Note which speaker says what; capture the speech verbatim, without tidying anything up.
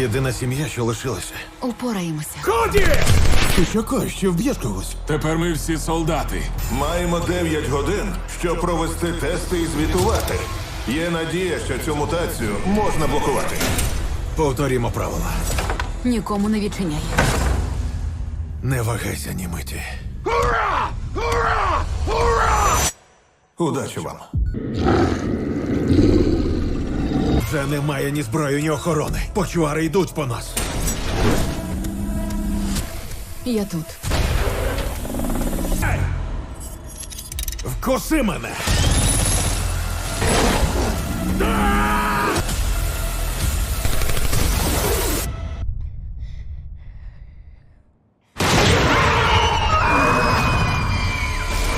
Speaker 1: Єдина сім'я, що лишилася.
Speaker 2: Упораємося.
Speaker 1: Коді! Ти що кажеш, що вб'єш когось?
Speaker 3: Тепер ми всі солдати.
Speaker 4: Маємо дев'ять годин, щоб провести тести і звітувати. Є надія, що цю мутацію можна блокувати.
Speaker 1: Повторімо правила.
Speaker 2: Нікому не відчиняй.
Speaker 1: Не вагайся ні миті.
Speaker 4: Удачі вам.
Speaker 1: Вже немає ні зброї, ні охорони. Почуари йдуть по нас.
Speaker 2: Я тут.
Speaker 1: Вкуси мене!
Speaker 4: А!